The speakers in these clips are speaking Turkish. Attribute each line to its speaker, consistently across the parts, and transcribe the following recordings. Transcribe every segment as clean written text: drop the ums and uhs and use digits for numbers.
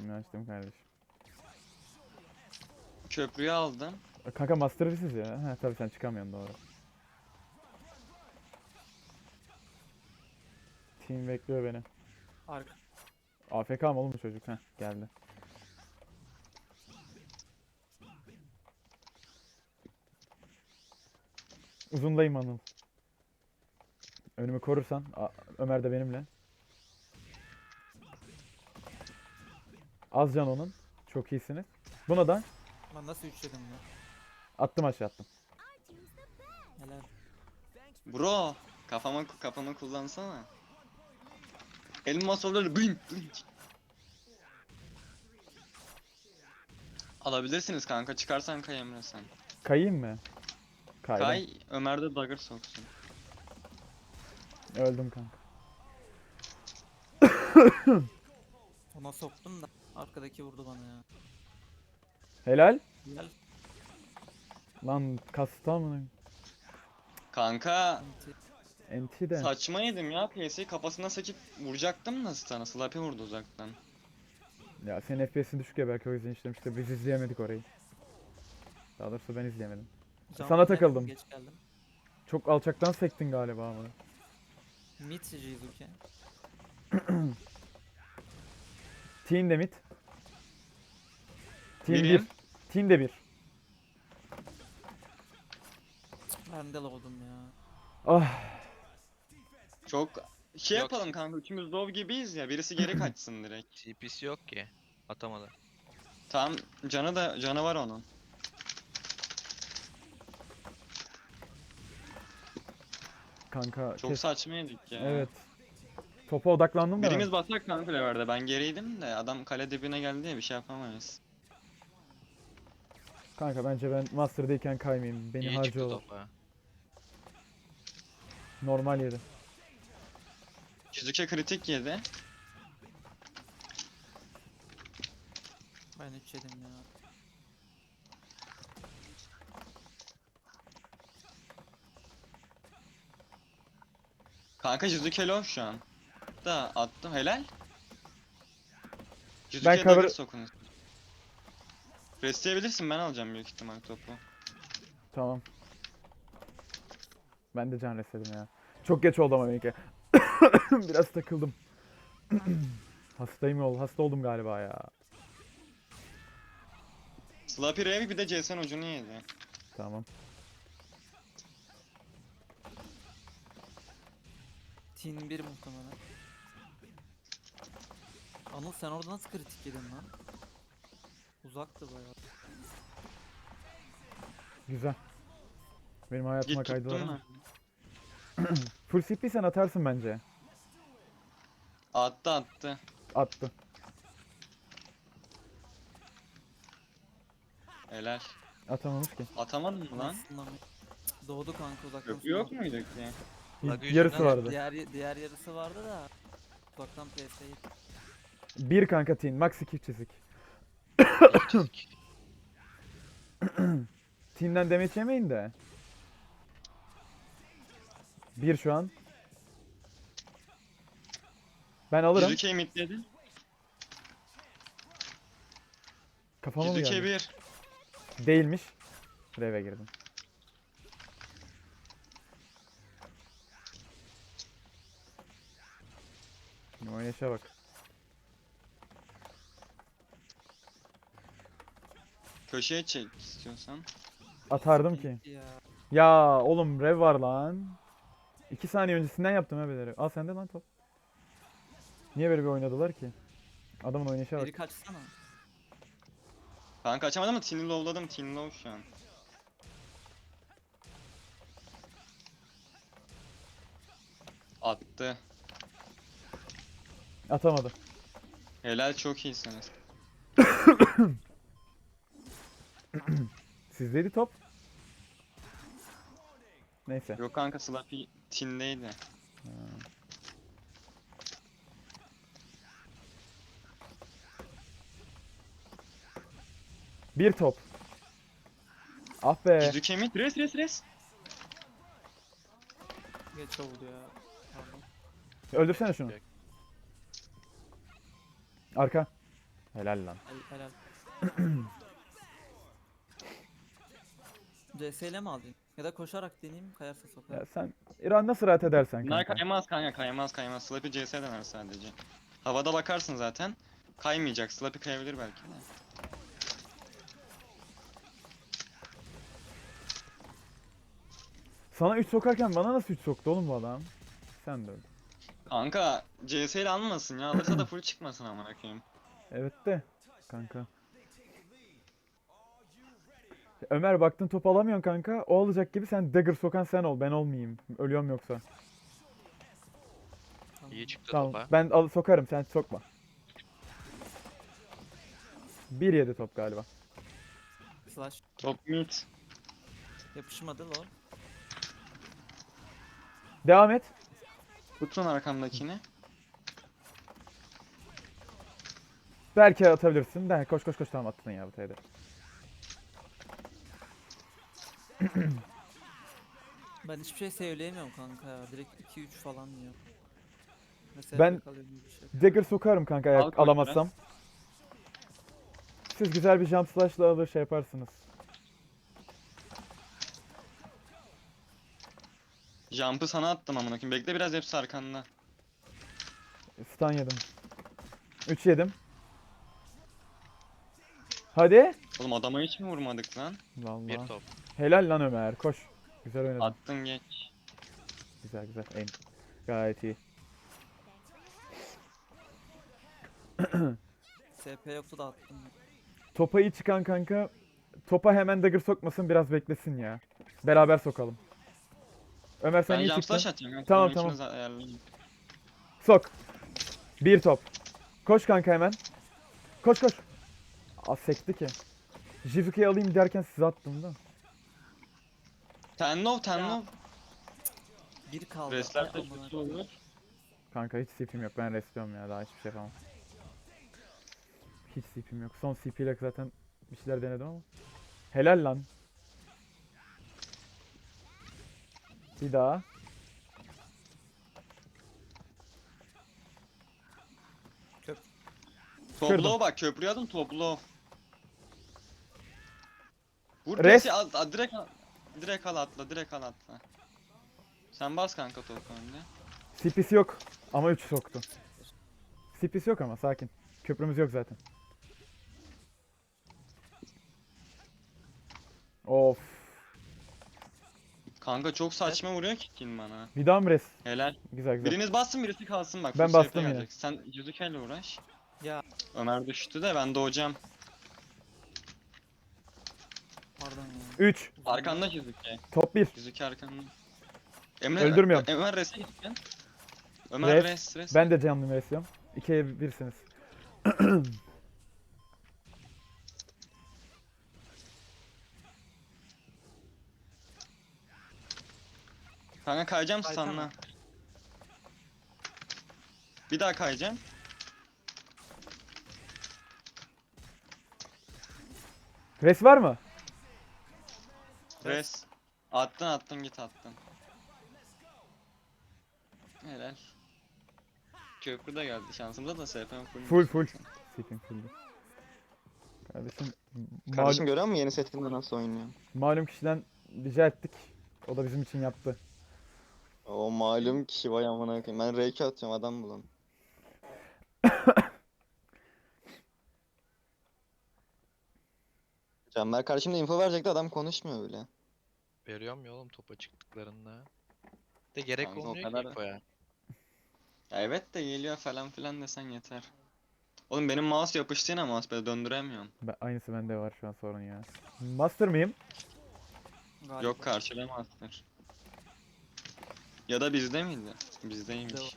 Speaker 1: Şimdi açtım kardeşim.
Speaker 2: Köprüyü aldım.
Speaker 1: Kanka master siz ya. Ha tabii sen çıkamıyorsun doğru. Team bekliyor beni.
Speaker 3: Arka.
Speaker 1: AFK mı oğlum bu çocuk? Heh geldi. Uzundayım Anıl. Önümü korursan. Ömer de benimle. Az can onun. Çok iyisiniz. Buna da
Speaker 3: Ben nasıl üçledim ya?
Speaker 1: attım aşağı attım.
Speaker 3: Helal.
Speaker 2: Bro, kafamı kullansana. Elmas olur bing bing. Alabilirsiniz kanka, çıkarsan kay Emre sen.
Speaker 1: Kayayım mı? Kaydım.
Speaker 2: Kay, Ömer de dagger soksun.
Speaker 1: Öldüm kanka.
Speaker 3: Ona soktum da arkadaki vurdu bana ya.
Speaker 1: Helal.
Speaker 3: Helal.
Speaker 1: Lan kasta mı?
Speaker 2: Kanka,
Speaker 3: Enti.
Speaker 1: NT de.
Speaker 2: saçma yedim ya, PS'yi kafasına sekip vuracaktım da sana, Slappy vurdu uzaktan.
Speaker 1: Ya senin FPS'in düşük ya belki o yüzden işlemiştir. Biz izleyemedik orayı. Daha doğrusu ben izleyemedim.
Speaker 3: Can
Speaker 1: Sana
Speaker 3: verdim,
Speaker 1: takıldım.
Speaker 3: Geç geldim.
Speaker 1: Çok alçaktan sektin galiba ama.
Speaker 3: Mid Jizuke.
Speaker 1: Teen de mid. Teen
Speaker 2: Birim.
Speaker 1: 1. Teen de 1.
Speaker 3: Ben de lavudum ya.
Speaker 1: Ah.
Speaker 2: Çok şey
Speaker 4: Yok.
Speaker 2: yapalım kanka, üçümüz low gibiyiz ya, birisi geri kaçsın direkt.
Speaker 4: TP'si yok ki. Atamadı.
Speaker 2: Tamam, canı var onun.
Speaker 1: Kanka
Speaker 2: Çok saçma yedik ya.
Speaker 1: Evet. Topa odaklandım da. ben.
Speaker 2: Birimiz basak kanka leverde, ben geriydim de adam kale dibine geldi ya, bir şey yapamayız.
Speaker 1: Kanka bence ben Master'dayken kaymayayım. Beni
Speaker 4: İyi çıktı
Speaker 1: harcıyorlar.
Speaker 4: topa.
Speaker 1: Normal yedi.
Speaker 2: Shizuke kritik yedi.
Speaker 3: Ben üç yedim ya.
Speaker 2: Kanka Shizuke low şu an. Da attım, helal.
Speaker 1: Ben
Speaker 2: Shizuke'ye
Speaker 1: cover-
Speaker 2: dagger sokun. Restleyebilirsin, ben alacağım büyük ihtimal topu.
Speaker 1: Tamam. Ben de can resedim ya. Çok geç oldu ama benimki. Biraz takıldım. Hastayım yol. Hasta oldum galiba ya.
Speaker 2: Slappy Rev bir de Jason ucunu yedi.
Speaker 1: Tamam.
Speaker 3: Tin 1 muhtemelen. Anıl sen orada nasıl kritik yedin lan? Uzaktı bayağı.
Speaker 1: Güzel. Benim hayatıma
Speaker 2: Git
Speaker 1: kaydılar
Speaker 2: tuttun
Speaker 1: ama.
Speaker 2: mu?
Speaker 1: Full CP sen atarsın bence.
Speaker 2: Attı.
Speaker 1: Attı.
Speaker 2: Helal.
Speaker 1: Atamamış ki.
Speaker 2: Atamadın mı lan?
Speaker 3: Aslında doğdu kanka uzaktan.
Speaker 2: Köprü yok muydu ki?
Speaker 4: Lag
Speaker 1: Yarısı
Speaker 4: yüzünden-
Speaker 1: vardı.
Speaker 3: Diğer yarısı vardı da uzaktan PS'yi.
Speaker 1: Bir kanka teen. Max 2 çizik.
Speaker 4: Çizik.
Speaker 1: Teen'den damage yemeyin de. Bir şu an. Ben alırım.
Speaker 2: Shizuke'yi midledi.
Speaker 1: Kafama mı
Speaker 2: Shizuke
Speaker 1: geldi?
Speaker 2: 1.
Speaker 1: Değilmiş. Reve girdim. Şimdi oynayışa bak.
Speaker 2: Köşeye çek istiyorsan.
Speaker 1: Atardım ki.
Speaker 3: Ya.
Speaker 1: Ya oğlum rev var lan. 2 saniye öncesinden yaptım ha beleri. Al sende lan top. Niye böyle bir oynadılar ki? Adamın oynayışa bak.
Speaker 3: Biri kaçsana.
Speaker 2: Kanka açamadım ama Teen'i lowladım. Teen low şu an. Attı.
Speaker 1: Atamadı.
Speaker 2: Helal, çok iyisiniz.
Speaker 1: Sizdeydi top. Neyse.
Speaker 2: Yok kanka, Slappy Teen'deydi.
Speaker 1: Bir top. Ah be.
Speaker 2: Shizuke mid. Res.
Speaker 3: Geç oldu ya. Pardon.
Speaker 1: Öldürsene şunu. Arka. Helal lan.
Speaker 3: Helal. CS ile mi alayım? Ya da koşarak deneyeyim, kayarsa
Speaker 1: Ya
Speaker 3: sokarım.
Speaker 1: sen İran nasıl rahat edersen
Speaker 2: Bunlar
Speaker 1: kanka.
Speaker 2: kaymaz kanka, kaymaz. Slappy CS dener sadece. Havada bakarsın zaten. Kaymayacak. Slappy kayabilir belki de.
Speaker 1: Sana 3 sokarken bana nasıl 3 soktu oğlum bu adam? Sen de öyle.
Speaker 2: Kanka CS ile almasın ya. Alırsa da full çıkmasın amına koyayım.
Speaker 1: Evet de kanka. Ömer baktın top alamıyorsun kanka. O alacak gibi sen dagger sokan sen ol. Ben olmayayım. Ölüyorum yoksa.
Speaker 3: Tamam.
Speaker 4: İyi çıktı
Speaker 1: Tamam.
Speaker 4: topa.
Speaker 1: Ben sokarım sen sokma. 1-7 top galiba.
Speaker 3: Slash.
Speaker 2: Top mid.
Speaker 3: Yapışmadı lol.
Speaker 1: Devam et.
Speaker 2: Tutun arkamdakini.
Speaker 1: Belki atabilirsin. De koş koş koş tamam attın ya bu teyde.
Speaker 3: Ben hiçbir şey söyleyemiyorum kanka ya. Direkt 2-3 falan diyor. Mesela
Speaker 1: Ben-
Speaker 3: kalıyor gibi bir şey.
Speaker 1: Dagger sokarım kanka eğer
Speaker 2: Al koş
Speaker 1: alamazsam. Siz güzel bir jump slash'la alır şey yaparsınız.
Speaker 2: Jump'ı sana attım amına koyayım. Bekle biraz, hepsi arkanda.
Speaker 1: Stun yedim. 3 yedim. Hadi.
Speaker 2: Oğlum adama hiç mi vurmadık lan?
Speaker 4: Bir
Speaker 1: Vallahi.
Speaker 4: top.
Speaker 1: Helal lan Ömer. Koş. Güzel oynadın.
Speaker 2: Attın geç.
Speaker 1: Güzel güzel. Aim. Gayet iyi.
Speaker 3: SP yoktu da attım.
Speaker 1: Topa iyi çıkan kanka. Topa hemen dagger sokmasın biraz beklesin ya. Beraber sokalım. Ömer sen
Speaker 2: Ben
Speaker 1: iyi
Speaker 2: jump
Speaker 1: çıktın.
Speaker 2: slash atacağım. kanka,
Speaker 1: Tamam,
Speaker 2: onun
Speaker 1: tamam.
Speaker 2: için ayarlayayım.
Speaker 1: Sok. Bir top. Koş kanka hemen. Koş koş. Az sekti ki. Jivike'yi alayım derken size attım da.
Speaker 2: Ten low.
Speaker 3: Ya. Bir kaldı.
Speaker 2: Restler
Speaker 3: Ay,
Speaker 2: de
Speaker 3: amına
Speaker 2: kötü olur.
Speaker 1: Kanka hiç CP'm yok. Ben restliyorum ya. Daha hiçbir şey yapamam. Hiç CP'm yok. Son CP ile zaten bir şeyler denedim ama. Helal lan. Bir daha.
Speaker 2: Top
Speaker 1: Kırdım.
Speaker 2: low bak, köprüye adım top low. Vur
Speaker 1: Rest.
Speaker 2: Resi al, direkt al. Direkt al atla. Sen bas kanka topu önüne.
Speaker 1: CP'si yok. Ama 3 soktu. CP'si yok ama sakin. Köprümüz yok zaten. Of.
Speaker 2: Kanka çok saçma vuruyor ki kill bana.
Speaker 1: Bir daha mı res?
Speaker 2: Helal.
Speaker 1: Güzel güzel.
Speaker 2: Biriniz bassın, birisi kalsın bak.
Speaker 1: Ben
Speaker 2: full
Speaker 1: bastım
Speaker 2: CHP
Speaker 1: yine.
Speaker 2: gelecek. Sen Yüzükel'le uğraş.
Speaker 3: Ya
Speaker 2: Ömer düştü de ben doğacağım.
Speaker 3: pardon ya.
Speaker 1: 3.
Speaker 2: Arkanda Yüzüke.
Speaker 1: Top 1.
Speaker 2: Yüzüke arkanda. Emre
Speaker 1: Öldürmüyorum.
Speaker 2: Ömer res'e gittin. Ömer
Speaker 1: Res.
Speaker 2: res.
Speaker 1: Ben de canlı versiyon. 2'ye 1'siniz.
Speaker 2: Kanka kayacağım
Speaker 3: Kaysana.
Speaker 2: stun'la. Bir daha kayacağım.
Speaker 1: Res var mı?
Speaker 2: Res. Attın git attın. Helal. Köprü de geldi. Şansımıza da SP'm full.
Speaker 1: Full. CP'm full'du. Kardeşim,
Speaker 5: Kardeşim görüyor musun yeni setinde nasıl oynuyor?
Speaker 1: malum kişiden rica ettik. O da bizim için yaptı.
Speaker 5: O malum kişi vay amına koyayım. Ben R2 atıyorum adam bulan. Canber kardeşim de info verecekti, adam konuşmuyor bile.
Speaker 4: Veriyorum ya oğlum topa çıktıklarında. De gerek
Speaker 2: Kanka o
Speaker 4: olmuyor ki
Speaker 2: kadar-
Speaker 4: infoya.
Speaker 2: Ya evet de geliyor falan filan desen yeter. Oğlum benim mouse yapıştı yine, mouse döndüremiyorum.
Speaker 1: Aynısı bende var şu an sorun ya. Master mıyım?
Speaker 3: Galiba.
Speaker 2: Yok, karşılamazlar. Ya da bizde miydi? Bizdeymiş.
Speaker 3: Bizde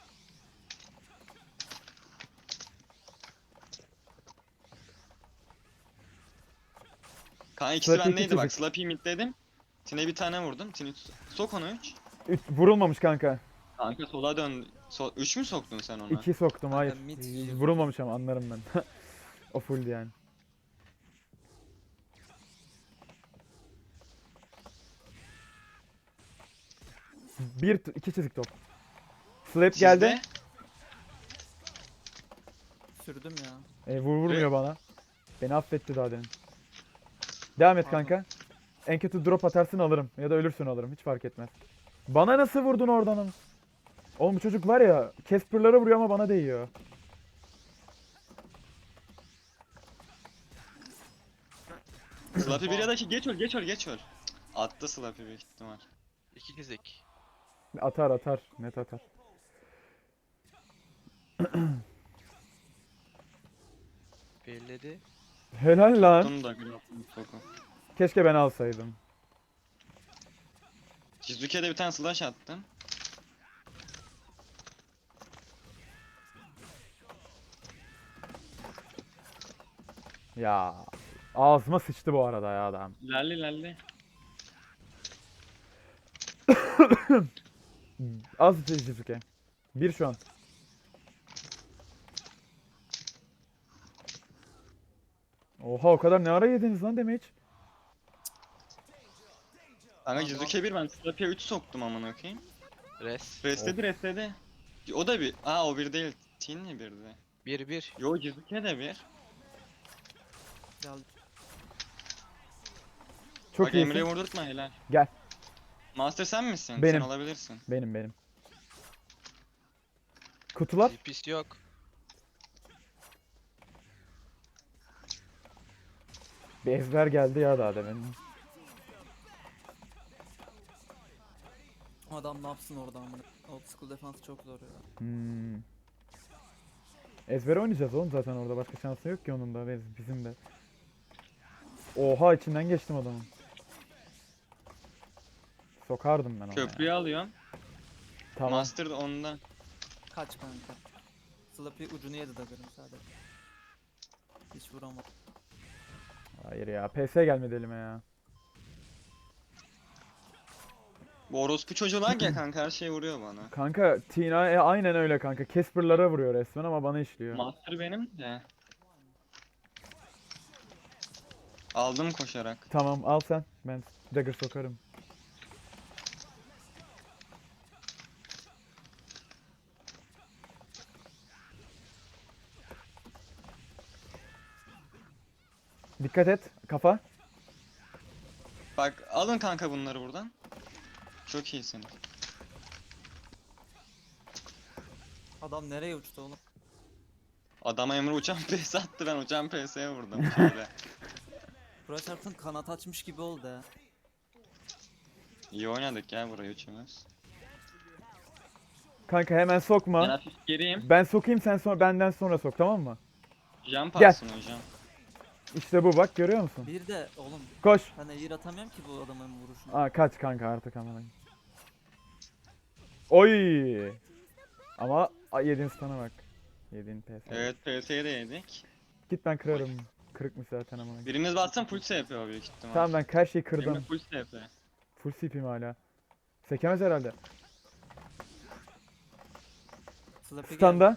Speaker 2: Kanka ikisi
Speaker 1: Slappy
Speaker 2: bendeydi bak.
Speaker 1: küçücük.
Speaker 2: Slappy mid dedim. Tine bir tane vurdum. Tine sok onu 3.
Speaker 1: Vurulmamış kanka.
Speaker 2: Kanka sola dön. 3 mü soktun sen ona?
Speaker 1: 2 soktum
Speaker 3: Kanka
Speaker 1: hayır.
Speaker 3: mid-
Speaker 1: Vurulmamış ama anlarım ben. O full yani. İki çizik top. Slap
Speaker 2: Sizde?
Speaker 1: geldi.
Speaker 3: Sürdüm ya.
Speaker 1: Vurmuyor bana. Beni affetti daha demin. Devam et
Speaker 3: Pardon.
Speaker 1: kanka. En kötü drop atarsın alırım. Ya da ölürsün alırım. Hiç fark etmez. Bana nasıl vurdun oradan ama? Oğlum bu çocuk var ya. Casper'lara vuruyor ama bana değiyor.
Speaker 2: Slappy bir ya da geç öl. Attı Slappy büyük ihtimal.
Speaker 4: İki dizek.
Speaker 1: Atar. Net atar.
Speaker 4: Belledi.
Speaker 1: Helal lan.
Speaker 2: Tuttum da Grapple Hook'u.
Speaker 1: Keşke ben alsaydım.
Speaker 2: Shizuke'de bir tane slash attım.
Speaker 1: Ya. Ağzıma sıçtı bu arada ya adam.
Speaker 2: Lalli.
Speaker 1: Az Shizuke. Bir şu an. Oha o kadar ne ara yediniz lan damage?
Speaker 2: Kanka Shizuke 1 ben Slappy'ye 3 soktum amına koyayım.
Speaker 4: Res.
Speaker 2: Restledi. O da bir. Aa o bir değil. Tin'le birdi.
Speaker 4: 1-1.
Speaker 2: Yo Shizuke de bir.
Speaker 3: Geldi.
Speaker 1: Çok
Speaker 2: Bak
Speaker 1: iyisin.
Speaker 2: Emre'ye vurdurtma helal.
Speaker 1: Gel.
Speaker 2: Master sen misin?
Speaker 1: Benim.
Speaker 2: Sen olabilirsin.
Speaker 1: Benim. Kutular.
Speaker 4: CP'si yok.
Speaker 1: Bir ezber geldi ya daha demin.
Speaker 3: O adam ne yapsın orada amına. Old school defansı çok zor ya.
Speaker 1: Hmm. Ezber oynayacağız oğlum zaten orada. Başka şansı yok ki onun da. Bizim de. Oha içinden geçtim adamın. Sokardım ben ona ya.
Speaker 2: Köprüyü alıyorum.
Speaker 1: Tamam.
Speaker 2: Master da onda.
Speaker 3: Kaç kanka. Slappy ucunu yedi dagger'ın sadece. Hiç vuramadı.
Speaker 1: Hayır ya. PS gelmedi elime ya.
Speaker 2: Bu orospu çocuğu ya kanka her şey vuruyor bana.
Speaker 1: Kanka Tina aynen öyle kanka. Casper'lara vuruyor resmen ama bana işliyor.
Speaker 2: Master benim de. Aldım koşarak.
Speaker 1: Tamam al sen. Ben dagger sokarım. Dikkat et. Kafa.
Speaker 2: Bak alın kanka bunları buradan. Çok iyisin.
Speaker 3: Adam nereye uçtu oğlum?
Speaker 2: Adama Emre uçan PS attı ben uçan PS'ye vurdum şöyle.
Speaker 3: Burası çarptın kanat açmış gibi oldu ya.
Speaker 2: İyi oynadık ya burayı üçümüz.
Speaker 1: Kanka hemen
Speaker 2: Ben
Speaker 1: sokma.
Speaker 2: hafif geriyim.
Speaker 1: Ben sokayım sen sonra benden sonra sok tamam mı?
Speaker 2: Jump
Speaker 1: Gel.
Speaker 2: atsın hocam.
Speaker 1: İşte bu bak görüyor musun?
Speaker 3: Bir de oğlum
Speaker 1: Koş.
Speaker 3: ben eğir atamıyorum ki bu adamın vuruşunu.
Speaker 1: Aa kaç kanka artık aman. Oy. Ama yediğin stun'a bak. Yediğin PS.
Speaker 2: Evet PS'ye de yedik.
Speaker 1: Git ben kırarım. Kırıkmış zaten ama.
Speaker 2: Biriniz batsın full SP yapıyor büyük ihtimal.
Speaker 1: Tamam ben her şeyi
Speaker 2: Emre
Speaker 1: kırdım.
Speaker 2: full SP.
Speaker 1: Full CP'm hala. Sekemez herhalde.
Speaker 3: Slappy geldi.
Speaker 1: Standa.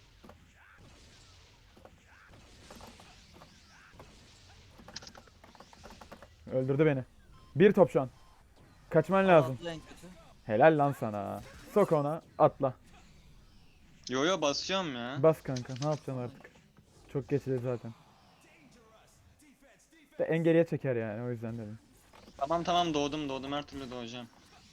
Speaker 1: Öldürdü beni. Bir top şu an. Kaçman lazım.
Speaker 3: Atla en kötü.
Speaker 1: Helal lan sana. Sok ona atla.
Speaker 2: Yo basıyorum ya.
Speaker 1: Bas kanka ne yapacaksın artık. Çok geçti zaten. De en geriye çeker yani o yüzden dedim.
Speaker 2: Tamam doğdum her türlü doğacağım.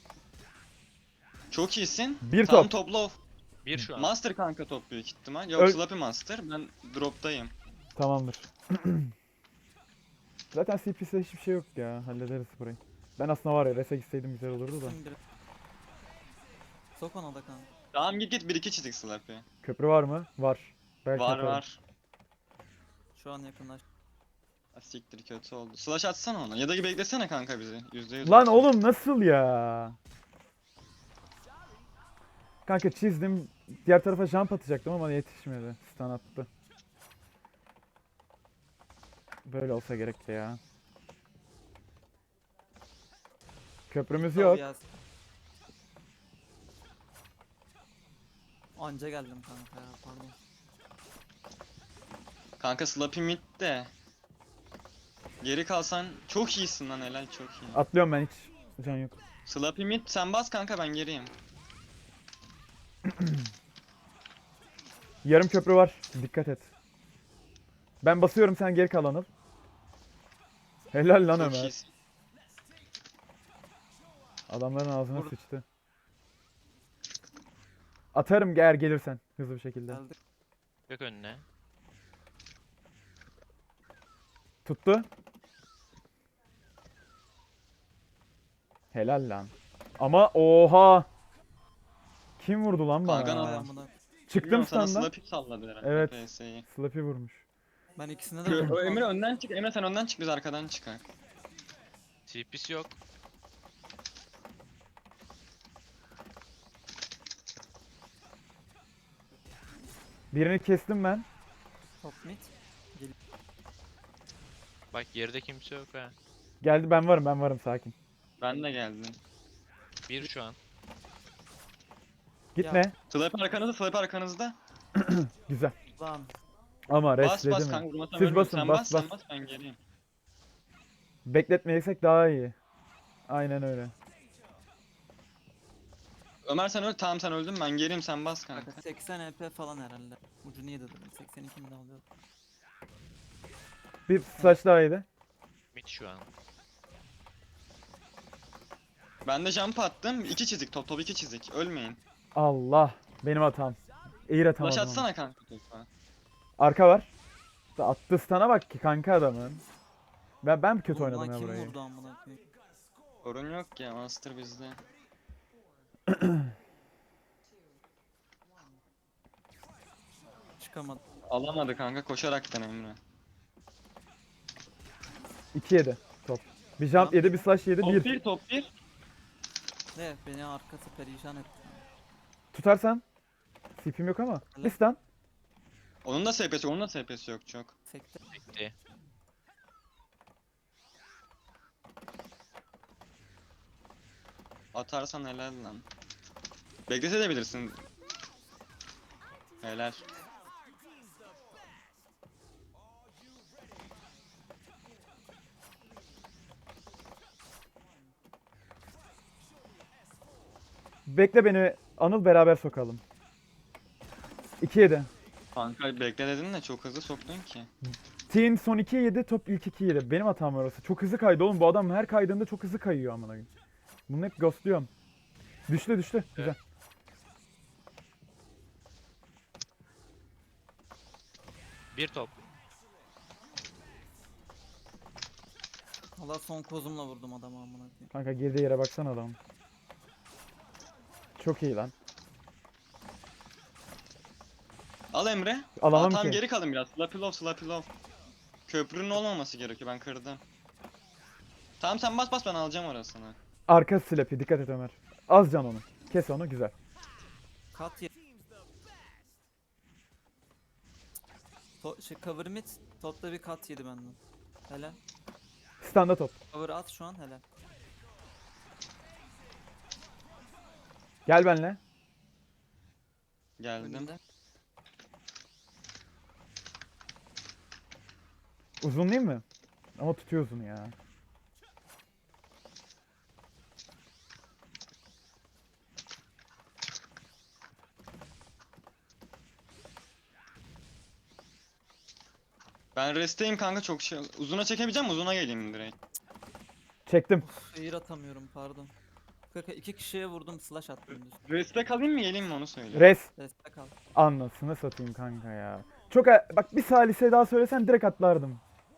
Speaker 2: Çok iyisin.
Speaker 1: Bir
Speaker 2: Tamam
Speaker 1: top.
Speaker 2: topla.
Speaker 4: 1 şu an.
Speaker 2: Master kanka top büyük ihtimal. Yok
Speaker 1: Öl-
Speaker 2: Slappy Master. Ben drop'tayım.
Speaker 1: Tamamdır. Zaten CP'de hiçbir şey yok ya. Hallederiz burayı. Ben aslında var ya rese gitseydim güzel olurdu da.
Speaker 3: Kim biri- Sok ona da kanka.
Speaker 2: Tamam git 1-2 çizik Slappy.
Speaker 1: Köprü var mı? Var. Belki
Speaker 2: Var
Speaker 1: yaparım.
Speaker 2: var.
Speaker 3: Şu an yakınlaş.
Speaker 2: Ha, siktir kötü oldu. Slash atsana ona. Ya da beklesene kanka bizi. %100
Speaker 1: Lan
Speaker 2: olsun.
Speaker 1: oğlum nasıl ya? Kanka çizdim. Diğer tarafa jump atacaktım ama yetişmedi. Stun attı. Böyle olsa gerekti ya. Köprümüz yok.
Speaker 3: Yaz. Anca geldim kanka ya pardon.
Speaker 2: Kanka Slappy mid de. Geri kalsan çok iyisin lan helal çok iyi.
Speaker 1: Atlıyorum ben hiç. Can yok.
Speaker 2: Slappy mid sen bas kanka ben geriyim.
Speaker 1: Yarım köprü var. Dikkat et. Ben basıyorum, sen geri kal Anıl. Helal lan
Speaker 2: Çok
Speaker 1: Ömer.
Speaker 2: iyisin.
Speaker 1: Adamların ağzına
Speaker 3: Vur.
Speaker 1: sıçtı. Atarım eğer gelirsen hızlı bir şekilde.
Speaker 3: Geldik.
Speaker 4: Yok önüne.
Speaker 1: Tuttu. Helal lan. Ama oha. Kim vurdu lan bana?
Speaker 2: Kanka
Speaker 3: Vay
Speaker 2: nasıl-
Speaker 3: amına.
Speaker 1: Çıktım
Speaker 2: Bilmiyorum, sana
Speaker 1: standan.
Speaker 2: slap'i salladı herhalde
Speaker 1: Evet.
Speaker 2: PS'yi.
Speaker 1: Slappy vurmuş.
Speaker 3: Ben ikisine de vurdum.
Speaker 2: Emre önden çık. Emre sen önden çık, biz arkadan çıkar.
Speaker 4: TP'si yok.
Speaker 1: Birini kestim ben.
Speaker 3: Top mid.
Speaker 4: Bak geride kimse yok ha.
Speaker 1: Geldi, ben varım sakin.
Speaker 2: Ben de geldim.
Speaker 4: Bir şu an.
Speaker 1: Gitme.
Speaker 2: Slap arkanızda, slap arkanızda.
Speaker 1: Güzel.
Speaker 3: Lan.
Speaker 1: Ama
Speaker 2: Bas
Speaker 1: restledi
Speaker 2: bas
Speaker 1: mi?
Speaker 2: kanka, vurmasam
Speaker 1: Siz
Speaker 2: ölmüyorum.
Speaker 1: basın,
Speaker 2: Sen
Speaker 1: bas,
Speaker 2: bas, sen
Speaker 1: bas.
Speaker 2: bas, ben geleyim.
Speaker 1: Bekletmeyesek daha iyi. Aynen öyle.
Speaker 2: Ömer sen öl, tamam sen öldün, ben geleyim, sen bas kanka.
Speaker 3: Kanka 80 EP falan herhalde. Ucunu yedi dedim. 82 mi de alıyor?
Speaker 1: Bir saç daha iyiydi.
Speaker 4: Mid şu an.
Speaker 2: Ben de jump attım, 2 çizik, top 2 çizik, ölmeyin.
Speaker 1: Allah. Benim hatam. Eğir atamadım
Speaker 2: Flash
Speaker 1: onu.
Speaker 2: atsana kanka topa.
Speaker 1: Arka var. Attı stana bak ki kanka adamın. Ben kötü
Speaker 3: Oğlum
Speaker 1: oynadım
Speaker 3: lan
Speaker 1: ya
Speaker 3: kim
Speaker 1: burayı.
Speaker 3: vurdu amına koyayım?
Speaker 2: Sorun yok ya, master bizde.
Speaker 3: Çıkamadım.
Speaker 2: Alamadı kanka, koşaraktan Emre.
Speaker 1: 2 yedi top. Bir jump
Speaker 3: Tamam.
Speaker 1: yedi, bir slash yedi,
Speaker 2: Top
Speaker 1: 1.
Speaker 2: 1, top 1.
Speaker 3: Ne beni arkası perişan etti.
Speaker 1: Tutarsan. CP'm yok ama.
Speaker 3: Helal.
Speaker 1: Bir stun.
Speaker 2: Onun da SP'si, onun da SP'si yok çok.
Speaker 3: Sekte.
Speaker 4: Bekle.
Speaker 2: Atarsan helal lan. Beklese de bilirsin. Helal.
Speaker 1: Bekle beni. Anıl, beraber sokalım. 2 yedi.
Speaker 2: Kanka bekle dedin de çok hızlı soktun ki.
Speaker 1: Team son 2 yedi, top ilk 2 yedi. Benim hatam orası. Çok hızlı kaydı oğlum. Bu adam her kaydığında çok hızlı kayıyor amına koyayım. Bunu hep ghostluyorum. Düştü. Güzel.
Speaker 4: Bir top.
Speaker 3: Valla son kozumla vurdum adamı amına koyayım.
Speaker 1: Kanka girdiği yere baksana adam. Çok iyi lan.
Speaker 2: Al Emre.
Speaker 1: Alamam
Speaker 2: Tamam,
Speaker 1: ki.
Speaker 2: geri kalın biraz. Slappy love, slappy love. Köprünün olmaması gerekiyor, ben kırdım. Tamam sen bas bas, ben alacağım orasını.
Speaker 1: Arka slappy, dikkat et Ömer. Az can onu. Kes onu, güzel.
Speaker 3: Kat ye. Cover mid. Topta bir kat yedi benden. Helal.
Speaker 1: Standa top.
Speaker 3: Cover at şu an helal.
Speaker 1: Gel benle.
Speaker 2: Geldim.
Speaker 3: Önünde.
Speaker 1: Uzun değil mi? Ama tutuyorsun ya.
Speaker 2: Ben resteyim kanka, çok şey. Uzuna çekebileceğim, uzuna geleyim direkt.
Speaker 1: Çektim.
Speaker 3: Uf, air atamıyorum pardon. Kanka 2 kişiye vurdum slash attım düz.
Speaker 2: Reste kalayım mı geleyim mi onu söyle.
Speaker 1: Res.
Speaker 3: Destek al.
Speaker 1: Anlasını satayım kanka ya. Çok bak, bir salise daha söylesen direkt atlardım.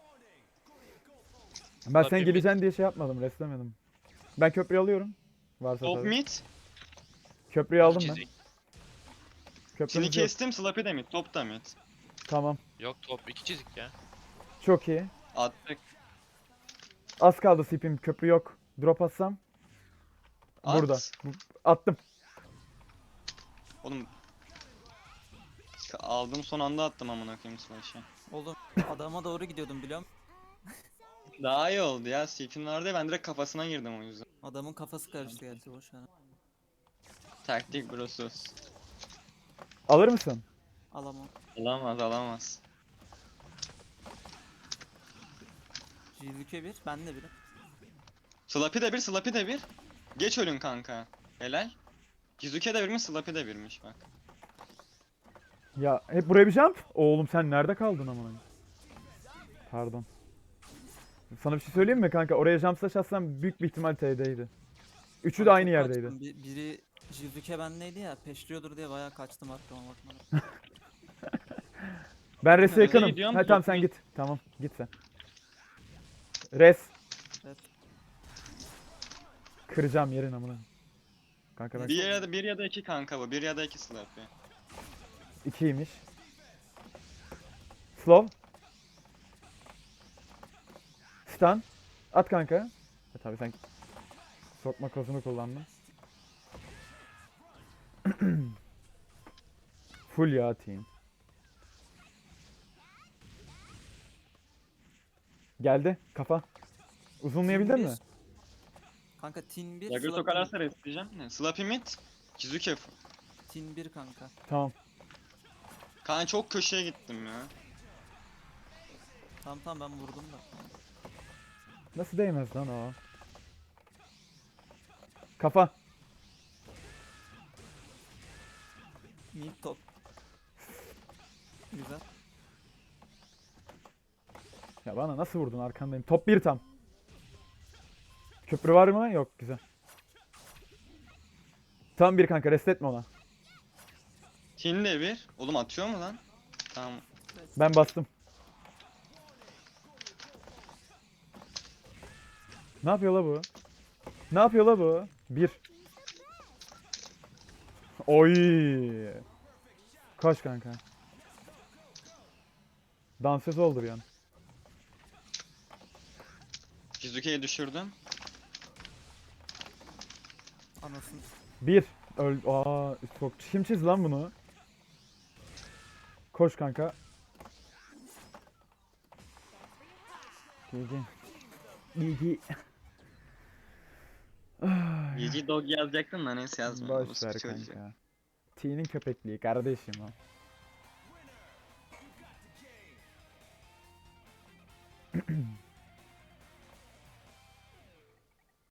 Speaker 1: Ben sen
Speaker 4: Tabii
Speaker 1: geleceksin diye şey yapmadım, reslemedim. Ben köprüyü alıyorum. Varsa
Speaker 2: Top
Speaker 1: tabii.
Speaker 2: mid.
Speaker 1: Köprüyü aldım ben.
Speaker 4: Çizik.
Speaker 2: Seni
Speaker 1: Köprümüz yok.
Speaker 2: kestim, slappy de mid, top da mid.
Speaker 1: Tamam.
Speaker 4: Yok top 2 çizik ya.
Speaker 1: Çok iyi.
Speaker 2: Attık.
Speaker 1: Az kaldı CP'm. Köprü yok. Drop atsam.
Speaker 2: At.
Speaker 1: Burada. Attım.
Speaker 2: Oğlum. Aldım, son anda attım amına koyayım slash'ı.
Speaker 3: Oğlum adama doğru gidiyordum biliyor musun?
Speaker 2: Daha iyi oldu ya, CP'nin vardı ya, ben direkt kafasına girdim o yüzden.
Speaker 3: Adamın kafası karıştı gerçi boş ver.
Speaker 2: Taktik brosuz.
Speaker 1: Alır mısın?
Speaker 3: Alamam.
Speaker 2: Alamaz, alamaz.
Speaker 3: Jilüke 1 ben de 1'im.
Speaker 2: Slappy de bir, slappy de bir. Geç ölün kanka. Helal. Jizuke de birmiş, slappy de birmiş bak.
Speaker 1: Ya hep buraya bir jump. Oğlum sen nerede kaldın amına? Pardon. Sana bir şey söyleyeyim mi kanka? Oraya jump slash atsam büyük bir ihtimal TD'ydi. Üçü de
Speaker 3: Ben
Speaker 1: aynı
Speaker 3: çok
Speaker 1: yerdeydi.
Speaker 3: kaçtım. Biri Jizuke bendeydi ya, peşliyordur diye bayağı kaçtım arkama bakmadan.
Speaker 1: Ben res'e
Speaker 2: Nereye
Speaker 1: yakınım.
Speaker 2: gidiyorum?
Speaker 1: Ha tamam sen
Speaker 2: Bakıyorum.
Speaker 1: git. Tamam git sen. Res.
Speaker 3: Evet.
Speaker 1: Kıracağım yerin amına. Kanka ben
Speaker 2: Bir ya da iki kanka bu. Bir ya da iki Slappy.
Speaker 1: 2'ymiş. Slow. Stun. At kanka. Ha, tabii sen sokma kozunu kullandın. Full ya team. Geldi kafa. Uzunlayabildin mi?
Speaker 3: Kanka Tin 1,
Speaker 2: Jagger tokalarsa restleyeceğim. Ne? Slappy mid. Kizuke.
Speaker 3: Tin 1 kanka.
Speaker 1: Tamam.
Speaker 2: Kanka çok köşeye gittim ya.
Speaker 3: Tamam tamam ben vurdum da.
Speaker 1: Nasıl değmez lan o? Kafa.
Speaker 3: Mid top. Güzel.
Speaker 1: Ya bana nasıl vurdun arkandayım. Top 1 tam. Köprü var mı? Yok güzel. Tam bir kanka rest etme ona.
Speaker 2: Tin de bir. Oğlum atıyor mu lan? Tamam.
Speaker 1: Ben bastım. Ne yapıyor la bu? Ne yapıyor la bu? Bir. Oy. Koş kanka. Dansöz oldu bir an.
Speaker 2: Kizuke'yi düşürdüm.
Speaker 3: Anasını.
Speaker 1: Bir. Öl. Aa, çok kim çizdi lan bunu? Koş kanka. GG. GG.
Speaker 2: GG dog yazacaktım da neyse yazmadım.
Speaker 1: Boş ver
Speaker 2: Orospu çocuğu.
Speaker 1: kanka. T'nin köpekliği kardeşim o.